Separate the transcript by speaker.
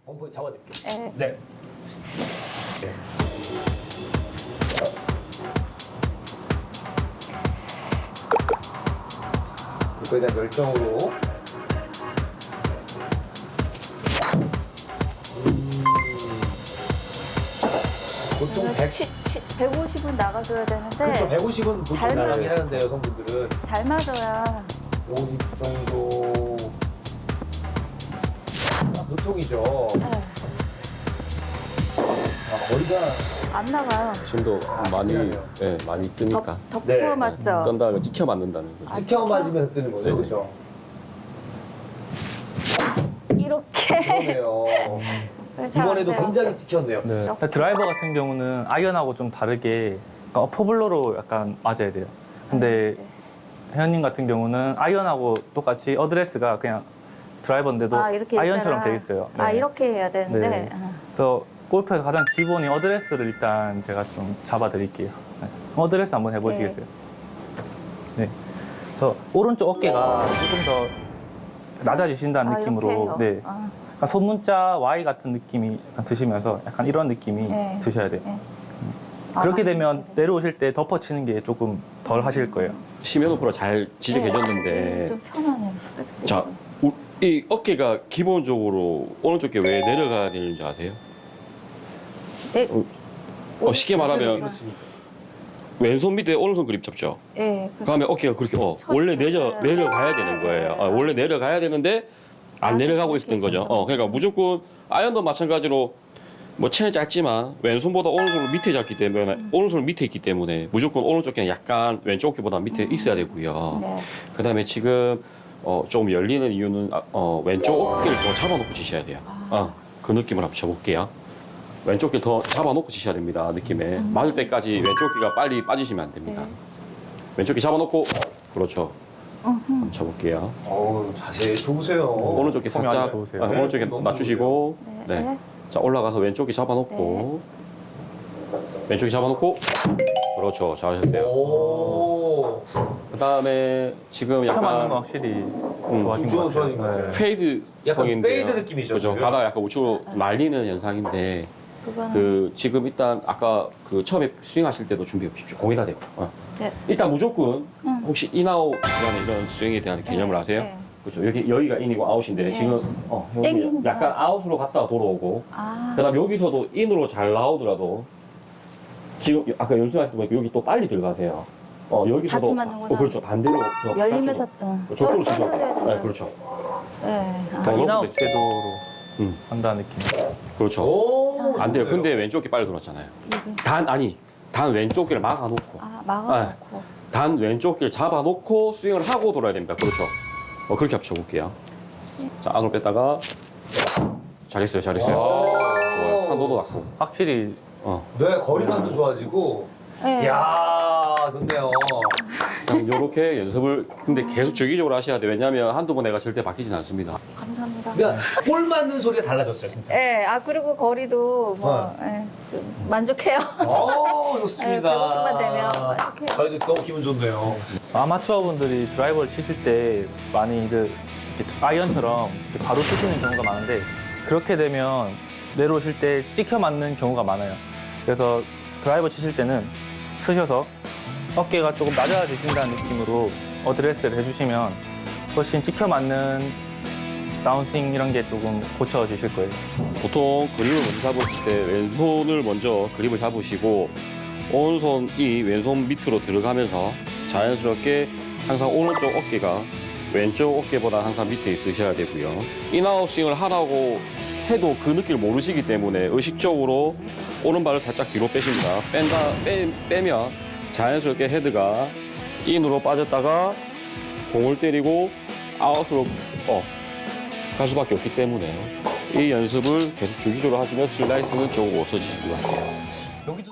Speaker 1: 원포인트 잡아드릴게요.
Speaker 2: 네.
Speaker 1: 네. 이거에 대한 열정으로. 보통 100,
Speaker 2: 150은 나가줘야 되는데
Speaker 1: 그렇죠. 150은 보통
Speaker 2: 잘
Speaker 1: 나가긴
Speaker 2: 맞-
Speaker 1: 하는데 여성분들은
Speaker 2: 잘 맞아야
Speaker 1: 50 정도. 보통이죠.
Speaker 2: 네,
Speaker 1: 머리가
Speaker 2: 안 나가요.
Speaker 3: 지금도 많이
Speaker 1: 신기하네요.
Speaker 3: 많이 뜨니까
Speaker 2: 덮어
Speaker 1: 네.
Speaker 2: 맞죠?
Speaker 3: 떤 다음에 찍혀 맞는다는 거죠.
Speaker 2: 아,
Speaker 1: 찍혀 맞으면서 뜨는 거죠,
Speaker 3: 네.
Speaker 1: 그렇죠?
Speaker 2: 이렇게
Speaker 1: 그러네요.
Speaker 2: 잘안
Speaker 1: 이번에도
Speaker 2: 돼요.
Speaker 1: 굉장히 찍혔네요.
Speaker 4: 네. 드라이버 같은 경우는 아이언하고 좀 다르게 약간 어퍼블로로 약간 맞아야 돼요. 근데
Speaker 2: 네.
Speaker 4: 혜연님 같은 경우는 아이언하고 똑같이 어드레스가 그냥 드라이버인데도
Speaker 2: 이렇게
Speaker 4: 아이언처럼
Speaker 2: 있잖아.
Speaker 4: 돼 있어요.
Speaker 2: 아
Speaker 4: 네.
Speaker 2: 이렇게 해야 되는데
Speaker 4: 네.
Speaker 2: 아.
Speaker 4: 그래서 골프에서 가장 기본이 어드레스를 일단 제가 좀 잡아드릴게요. 네. 어드레스 한번 해보시겠어요? 네. 그래서 오른쪽 어깨가 조금 더 낮아지신다는 느낌으로
Speaker 2: 이렇게 해요?
Speaker 4: 네.
Speaker 2: 아,
Speaker 4: 약간 소문자 Y 같은 느낌이 약간 드시면서 약간 이런 느낌이
Speaker 2: 네.
Speaker 4: 드셔야 돼요.
Speaker 2: 네.
Speaker 4: 그렇게
Speaker 2: 아,
Speaker 4: 되면
Speaker 2: 이렇게 돼요?
Speaker 4: 내려오실 때 덮어치는 게 조금 덜 하실 거예요.
Speaker 3: 심현우 프로 잘
Speaker 2: 네.
Speaker 3: 지적해줬는데
Speaker 2: 좀 편하네요 스펙스.
Speaker 3: 자, 이 어깨가 기본적으로 오른쪽에 왜 내려가야 되는지 아세요?
Speaker 2: 네.
Speaker 3: 쉽게 말하면 왼손 밑에 오른손 그립 잡죠.
Speaker 2: 예. 그-
Speaker 3: 그러면 어깨가 그렇게 원래 내려가야 되는 거예요. 원래 내려가야 되는데 안
Speaker 2: 아,
Speaker 3: 내려가고
Speaker 2: 그렇게
Speaker 3: 있었던 거죠.
Speaker 2: 있었죠.
Speaker 3: 그러니까 무조건 아이언도 마찬가지로 뭐 체는 작지만 왼손보다 오른손을 밑에 잡기 때문에 오른손을 밑에 있기 때문에 무조건 오른쪽 어깨는 약간 왼쪽 어깨보다 밑에 있어야 되고요.
Speaker 2: 네.
Speaker 3: 그다음에 지금 좀 열리는 이유는 왼쪽 어깨를 더 잡아놓고 치셔야 돼요. 그 느낌을 한번 쳐볼게요. 왼쪽 어깨를 더 잡아놓고 치셔야 됩니다. 느낌에 맞을 때까지 왼쪽 어깨가 빨리 빠지시면 안 됩니다.
Speaker 2: 네.
Speaker 3: 왼쪽 어깨 잡아놓고 그렇죠. 한번 쳐볼게요.
Speaker 1: 어우, 자세 좋으세요.
Speaker 3: 오른쪽 어깨
Speaker 4: 폼이 아주
Speaker 3: 살짝
Speaker 4: 좋으세요.
Speaker 3: 오른쪽 어깨
Speaker 1: 너무
Speaker 3: 낮추시고
Speaker 2: 네.
Speaker 3: 네.
Speaker 2: 네.
Speaker 3: 자 올라가서 왼쪽 어깨 잡아놓고 왼쪽 어깨 잡아놓고 그렇죠. 잘하셨어요.
Speaker 1: 오.
Speaker 3: 그다음에 지금
Speaker 4: 차 맞는 거
Speaker 3: 약간
Speaker 4: 확실히 좋아진 것
Speaker 1: 좋아진 것
Speaker 4: 같아요.
Speaker 1: 같아요.
Speaker 3: 페이드
Speaker 1: 약간
Speaker 3: 성인데요.
Speaker 1: 페이드 느낌이죠,
Speaker 3: 그죠.
Speaker 1: 지금.
Speaker 3: 가다가 약간 우측으로 말리는 현상인데
Speaker 2: 그거는
Speaker 3: 지금 일단 아까 처음에 스윙하실 때도 준비해 보십시오. 공이 다 되고.
Speaker 2: 네.
Speaker 3: 일단 무조건
Speaker 2: 응.
Speaker 3: 혹시 인아웃 기간에 이런 스윙에 대한 개념을
Speaker 2: 네,
Speaker 3: 아세요?
Speaker 2: 네.
Speaker 3: 그렇죠. 여기가 인이고 아웃인데
Speaker 2: 네.
Speaker 3: 지금 형이
Speaker 2: 땡기는구나.
Speaker 3: 약간 아웃으로 갔다가 돌아오고
Speaker 2: 아.
Speaker 3: 그다음 여기서도 인으로 잘 나오더라도 지금 아까 연습하실 때 보니까 여기 또 빨리 들어가세요. 여기서도
Speaker 2: 같이 맞는구나.
Speaker 3: 그렇죠. 반대로 저
Speaker 2: 열리면서
Speaker 3: 저쪽으로 치죠.
Speaker 2: 떨어져야
Speaker 3: 네,
Speaker 2: 돼요.
Speaker 3: 그렇죠.
Speaker 2: 네. 아.
Speaker 3: 더
Speaker 4: 인아웃
Speaker 3: 높은데.
Speaker 4: 제도로
Speaker 3: 음.
Speaker 4: 한다는 느낌.
Speaker 3: 그렇죠.
Speaker 1: 오.
Speaker 3: 안 돼요.
Speaker 1: 좋네요.
Speaker 3: 근데 왼쪽 어깨 빨리 돌았잖아요. 단 왼쪽 어깨를 막아놓고
Speaker 2: 막아놓고.
Speaker 3: 단 왼쪽 어깨를 잡아놓고 스윙을 하고 돌아야 됩니다. 그렇죠. 그렇게 한번 쳐볼게요. 자 안으로 뺐다가 잘했어요. 좋아요. 탄도도 낮고.
Speaker 4: 확실히
Speaker 1: 네, 거리감도 좋아지고.
Speaker 2: 네.
Speaker 1: 이야, 좋네요.
Speaker 3: 이렇게 연습을 근데 계속 주기적으로 하셔야 돼요. 왜냐하면 한두 번 내가 절대 바뀌진 않습니다.
Speaker 2: 감사합니다.
Speaker 1: 그러니까 볼 맞는 소리가 달라졌어요, 진짜.
Speaker 2: 네. 그리고 거리도 뭐 좀 만족해요.
Speaker 1: 오,
Speaker 2: 네,
Speaker 1: 좋습니다.
Speaker 2: 150만 되면 만족해요.
Speaker 1: 저희도 너무 기분 좋네요.
Speaker 4: 아마추어 분들이 드라이버를 치실 때 많이들 이렇게 아이언처럼 이렇게 바로 치시는 경우가 많은데 그렇게 되면 내려오실 때 찍혀 맞는 경우가 많아요. 그래서 드라이버 치실 때는 쓰셔서 어깨가 조금 낮아지신다는 느낌으로 어드레스를 해주시면 훨씬 찍혀 맞는 다운스윙 이런 게 조금 고쳐지실 거예요.
Speaker 3: 보통 그립을 먼저 잡으실 때 왼손을 먼저 그립을 잡으시고 오른손이 왼손 밑으로 들어가면서 자연스럽게 항상 오른쪽 어깨가 왼쪽 어깨보다 항상 밑에 있으셔야 되고요. 인아웃 스윙을 하라고 해도 그 느낌을 모르시기 때문에 의식적으로 오른발을 살짝 뒤로 빼십니다. 빼면 자연스럽게 헤드가 인으로 빠졌다가 공을 때리고 아웃으로 갈 수밖에 없기 때문에 이 연습을 계속 주기적으로 하시면 슬라이스는 조금 없어지실 것 같아요.
Speaker 1: 여기도